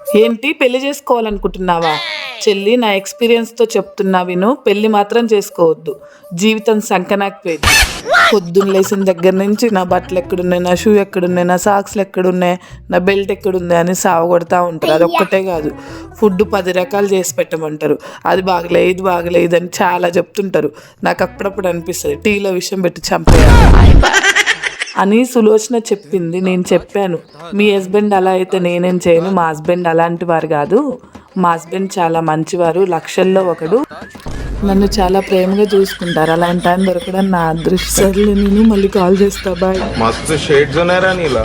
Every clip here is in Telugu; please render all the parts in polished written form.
ఏంటి పెళ్లి చేసుకోవాలనుకుంటున్నావా? చెల్లి, నా ఎక్స్పీరియన్స్తో చెప్తున్నా విను. పెళ్లి మాత్రం చేసుకోవద్దు, జీవితం సంకనాకపోయింది. పొద్దున్న లేచిన దగ్గర నుంచి నా బట్టలు ఎక్కడున్నాయి, నా షూ ఎక్కడున్నాయి, నా సాక్స్లు ఎక్కడున్నాయి, నా బెల్ట్ ఎక్కడుంది అని సావగొడతా ఉంటారు. అది ఒక్కటే కాదు, ఫుడ్ 10 రకాలు చేసి పెట్టమంటారు. అది బాగలే, ఇది బాగలేదు అని చాలా చెప్తుంటారు. నాకు అప్పుడప్పుడు అనిపిస్తుంది టీలో విషయం పెట్టి చంపేయాలి అని సులోచన చెప్పింది. నేను చెప్పాను, మీ హస్బెండ్ అలా అయితే నేనేం చేయను. మా హస్బెండ్ అలాంటి వారు కాదు, మా హస్బెండ్ చాలా మంచివారు, లక్షల్లో ఒకడు, నన్ను చాలా ప్రేమగా చూసుకుంటారు. అలాంటి టైం దొరకడం నా అదృష్టం. నేను మళ్ళీ కాల్ చేస్తా, బాయ్. మస్తు షేడ్స్ ఉన్నారా నీలా?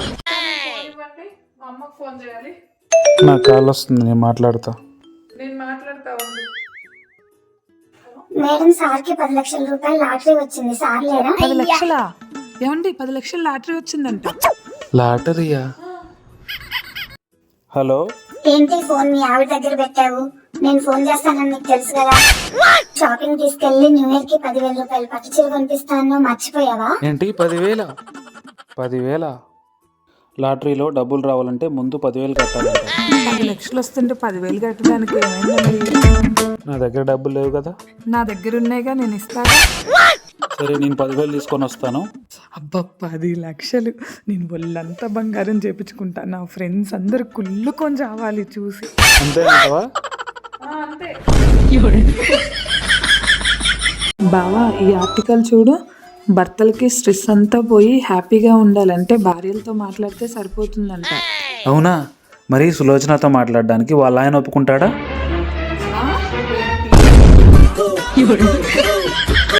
నా కాల్ వస్తుంది, నేను మాట్లాడతా. మేడం, సార్కి 10 లక్షల రూపాయలు లాటరీ వచ్చింది, సార్ లేరా? 10 లక్షలా? ఏమండి 10 లక్షల లాటరీ వచ్చిందంట. లాటరీయా? హలో, ఏంటి ఫోన్ మీ ఆవిడ దగ్గర పెట్టావు? నేను ఫోన్ చేస్తానని నీకు తెలుసు కదా. షాపింగ్ తీసుకెళ్లి న్యూ ఇయర్ కి 10,000 రూపాయలు పట్టు చీర కొనిపిస్తాను, మర్చిపోయావా? ఏంటి 10,000? లాటరీలో డబ్బులు రావాలంటే ముందు 10,000 కట్టాలంట. 10 లక్షలు వస్తుంటే 10,000 కట్టడానికి ఏమైందండి? నా దగ్గర డబ్బులు లేవు కదా. నా దగ్గర ఉన్నాయిగా, నేను ఇస్తాగా. సరే, నేను 10,000 తీసుకొని వస్తాను. అబ్బా, 10 లక్షలు! నేను ఒళ్ళంతా బంగారం చేపించుకుంటా. నా ఫ్రెండ్స్ అందరు కుళ్ళుకొని చావాలి చూసి. అంతే అంటావా? బావా, ఈ ఆర్టికల్ చూడు. భర్తలకి స్ట్రెస్ అంతా పోయి హ్యాపీగా ఉండాలంటే భార్యలతో మాట్లాడితే సరిపోతుందంట. అవునా? మరి సులోచనతో మాట్లాడడానికి వాళ్ళ ఆయన ఒప్పుకుంటాడా?